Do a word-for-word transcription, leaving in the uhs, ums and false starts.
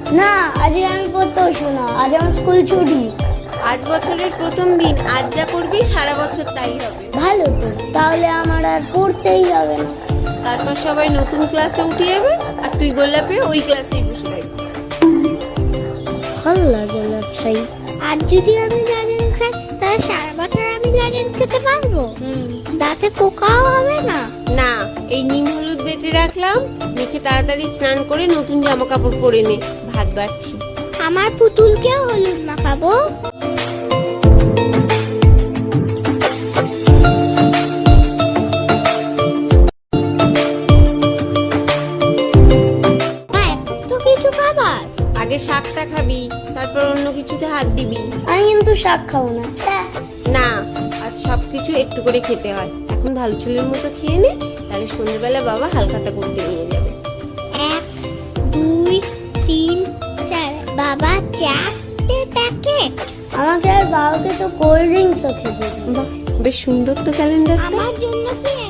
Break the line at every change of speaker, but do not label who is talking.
না, আজকে আমি পড়তে বসবো না, আজ আমার স্কুল ছুটি।
আজ বছরের প্রথম দিন, আজ যা করবি সারা বছর তাই হবে।
ভালো তো, তাহলে আমার আর পড়তেই হবে না।
তারপর সবাই নতুন ক্লাসে উঠে যাবে আর তুই গোল্লাপে ওই ক্লাসেই বসে থাকবি।
ভালো লাগে না ছাই।
আর যদি আমি লজেন্স খাই তাহলে সারা বছর আমি লজেন্স খেতে পারবো?
হুম
দাঁতে পোকাও হবে না?
না, এই নিম হলুদ বেটে রাখলাম, মেখে তাড়াতাড়ি স্নান করে নতুন জামা কাপড় পরে নে, ভাত বাড়ছি।
আমার পুতুলকেও হলুদ মাখাবো। এত কিছু খাবার?
আগে শাকটা খাবি, তারপর অন্য কিছুতে হাত দিবি।
আমি কিন্তু শাক খাবো না। ছ্যা।
না, আজ সবকিছু একটু করে খেতে হয়। এখন ভালো ছেলের মতো খেয়ে নে, তাহলে সন্ধ্যেবেলা বাবা হালখাতা করতে নিয়ে যাবে।
এক, দুই, তিন, চার। বাবা চারটে প্যাকেট?
আমাকে আর বাবাকে তো কোল্ড ড্রিঙ্কসও খেতে দিই।
বাহ, বেশ সুন্দর তো ক্যালেন্ডারটা।
আমার জন্য কি